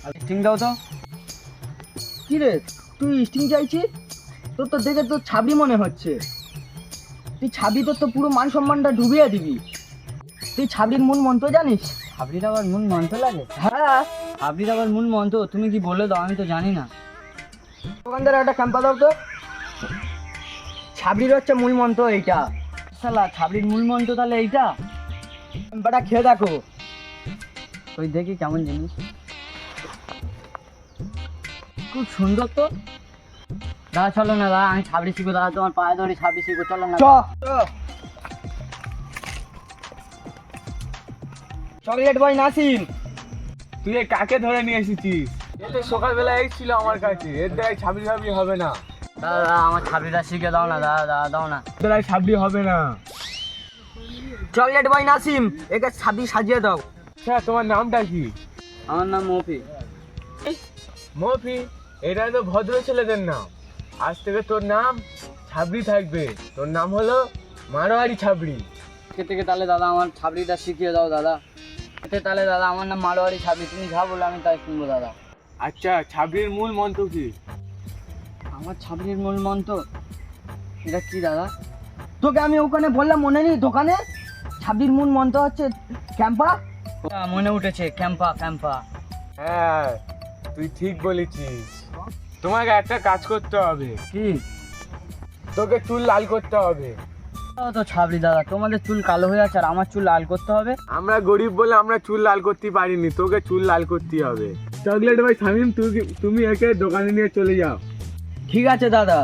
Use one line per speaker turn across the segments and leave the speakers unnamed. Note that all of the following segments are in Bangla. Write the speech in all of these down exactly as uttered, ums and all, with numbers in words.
স্টিং দাও তো।
কি রে তুই স্টিং চাইছিস? তোর তো দেখে তোর ছাবি মনে হচ্ছে। তুই ছাবি তোর তো পুরো মান সম্মানটা ডুবিয়ে দিবি। তুই ছাবড়ির মূল মন্ত্র জানিস?
ছাবড়ির আবার মূল মন্ত্র লাগে?
হ্যাঁ,
ছাবড়ির আবার মূল মন্ত্র তুমি কি বলে দাও, আমি তো জানি না।
দোকানদার একটা ক্যাম্পা দাও তো। ছাবড়ির হচ্ছে মূল মন্ত্র এইটা।
শালা ছাবড়ির মূল মন্ত্র তাহলে এইটা?
ক্যাম্পাটা খেয়ে দেখো।
ওই দেখি কেমন জিনিস, খুব সুন্দর তো। দাদা চলো না দাদা, আমি ছাবড়ি শিখবো দাদা, তোমার পায়ে ধরে ছাবড়ি শিখবো, চলো না।
চ চকলেট বয় নাসিম।
তুই এ কাকে ধরে নিয়ে এসেছিস? এ তো সকালবেলা এই ছিল আমার কাছে, এর দ্বারাই ছাবড়ি ছাবড়ি হবে না।
দাদা দাদা আমার ছাবড়িটা শিখে দাও না দাদা, দাদা দাও না।
এর দ্বারাই ছাবড়ি হবে না।
চকলেট বয় নাসিম, একে ছাবি সাজিয়ে দাও।
আচ্ছা তোমার নামটা কি?
আমার নাম মফি।
মফি? এটা তো ভদ্র ছেলেদের নাম। আজ থেকে তোর নাম ছাবড়ি থাকবে। তোর নাম হলো মারোয়ারি ছাবড়ি।
আজকে থেকে তাহলে দাদা আমার ছাবড়িটা শিখিয়ে দাও দাদা। এতে তাহলে দাদা আমার নাম মারোয়ারি ছাবড়ি, তুমি যা বলো আমি তাই শুনবো দাদা।
আচ্ছা ছাবড়ির মূল মন্ত্র কি?
আমার ছাবড়ির মূল মন্ত্র এটা কি দাদা?
তোকে আমি ওখানে বললাম মনে নেই দোকানে? ছাবির মূল মন্ত্র হচ্ছে ক্যাম্পা।
হ্যাঁ, মনে উঠেছে, ক্যাম্পা ক্যাম্পা।
হ্যাঁ তুই ঠিক বলেছিস। তোমাকে একটা কাজ করতে হবে।
কি?
তোকে চুল লাল করতে হবে।
ও তো ছাবড়ি দাদা, তোমাদের চুল কালো হয়ে আছে আর আমার চুল লাল করতে হবে?
আমরা গরিব বলে আমরা চুল লাল করতে পারিনি, তোকে চুল লাল করতে হবে। চকলেট ভাই শামিম, তুই- তুমি একে দোকানে নিয়ে চলে যাও।
ঠিক আছে দাদা।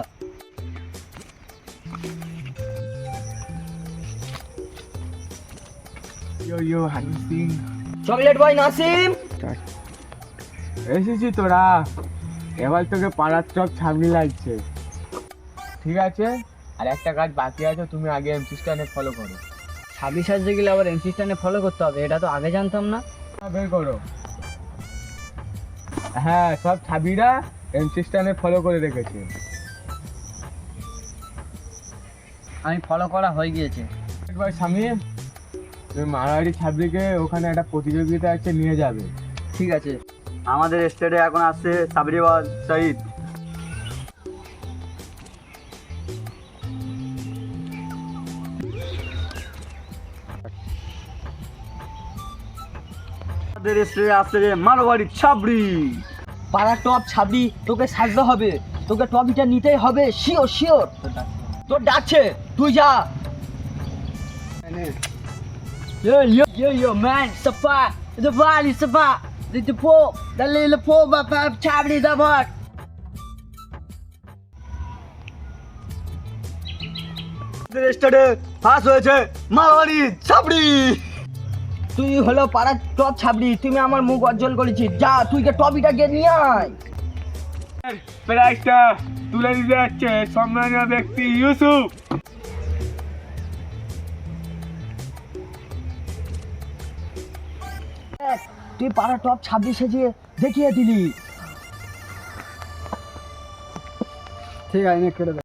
Yo yo Honey Singh,
chocolate boy Nasim.
এসেছি তোরা। এবার তোকে পাড়ার চক ছাবনি লাগছে, ঠিক আছে? আর একটা কাজ বাকি আছে, তুমি আগে এমসি স্ট্যান্ডে ফলো করো।
ছাব্বিশ সাজতে গেলে আবার এমসি স্ট্যান্ডে ফলো করতে হবে, এটা তো আগে জানতাম না।
হ্যাঁ, বের করো। হ্যাঁ, সব ছাবিরা এমসি স্ট্যান্ডে ফলো করে রেখেছে।
আমি ফলো করা হয়ে গিয়েছে।
একবার শামিম, তুমি মারোয়ারি ছাবড়িকে ওখানে একটা প্রতিযোগিতা আছে, নিয়ে যাবে।
ঠিক আছে।
আমাদের স্টেটে এখন আসছে সাবরিওয়াল সাইদ। আমাদের স্টেটে আসছে মারোয়ারি ছাবড়ি।
পাড়া টপ ছাবি তোকে সাজতে হবে, তোকে টপিটা নিতেই হবে, শিওর শিওর। তোর ডাকছে, তুই যা।
Yo yo yo yo man, sapa, the valley sapa, the the po, the little po ba ba chabri da bot.
স্টেটে পাস হয়েছে মারোয়ারি ছাবড়ি। তুই হলো পাড়ার টপ ছাবড়ি, তুমি আমার মুখ অজ্জ্বল করেছিস। যা তুই কে টপিটা গিয়ে নিয়ে আয়।
প্রাইজটা তুলে দিতে যাচ্ছে সম্মানীয় ব্যক্তি ইউসুফ।
তুই পাড়া টপ ছাব্বিশ সেজিয়ে দেখিয়ে দিলি।
ঠিক আছে, কেটে